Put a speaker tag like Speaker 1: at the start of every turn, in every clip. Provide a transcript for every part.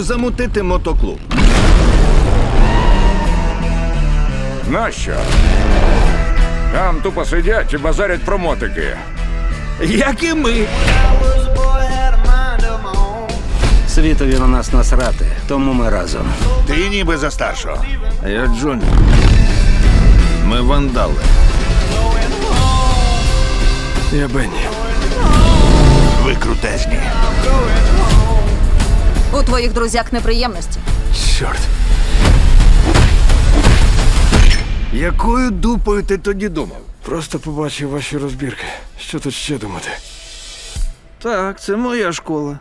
Speaker 1: замутити мотоклуб.
Speaker 2: Нащо? Там тупо сидять і базарять про мотики.
Speaker 1: Як і ми.
Speaker 3: Світові на нас насрати, тому ми разом.
Speaker 1: Ти ніби за старшого. А я Джонні. Ми вандали.
Speaker 4: Я Бенні.
Speaker 1: Ви крутезні.
Speaker 5: У твоїх друзяк неприємності.
Speaker 4: Чорт.
Speaker 1: Якою дупою ти тоді думав?
Speaker 4: Просто побачив ваші розбірки. Що тут ще думати?
Speaker 1: Так, це моя школа.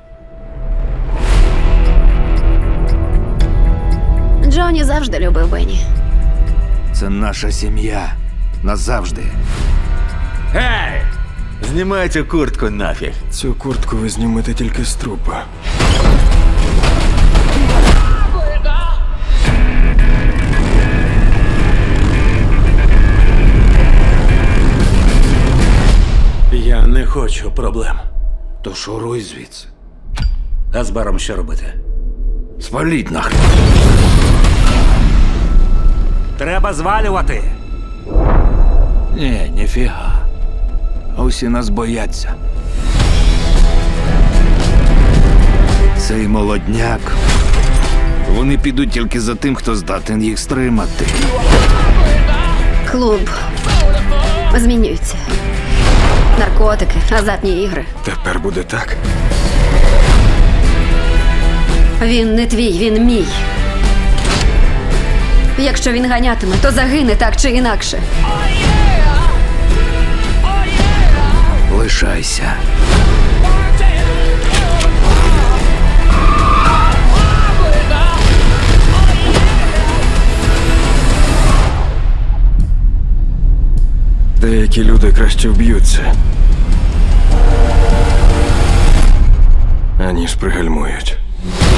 Speaker 6: Джонні завжди любив Бенні.
Speaker 1: Це наша сім'я. Назавжди.
Speaker 7: Гей! Знімайте куртку нафіг.
Speaker 4: Цю куртку ви знімете тільки з трупа.
Speaker 7: Я не хочу проблем.
Speaker 1: То шуруй звідси.
Speaker 3: А з баром що робити?
Speaker 1: Спаліть нахрен.
Speaker 3: Треба звалювати.
Speaker 1: Ні, ніфіга. Усі нас бояться. Цей молодняк. Вони підуть тільки за тим, хто здатен їх стримати.
Speaker 6: Клуб змінюється. Наркотики, азартні ігри.
Speaker 4: Тепер буде так.
Speaker 6: Він не твій, він мій. Якщо він ганятиме, то загине так чи інакше.
Speaker 1: Лишайся.
Speaker 4: Деякі люди краще вб'ються, аніж пригальмують.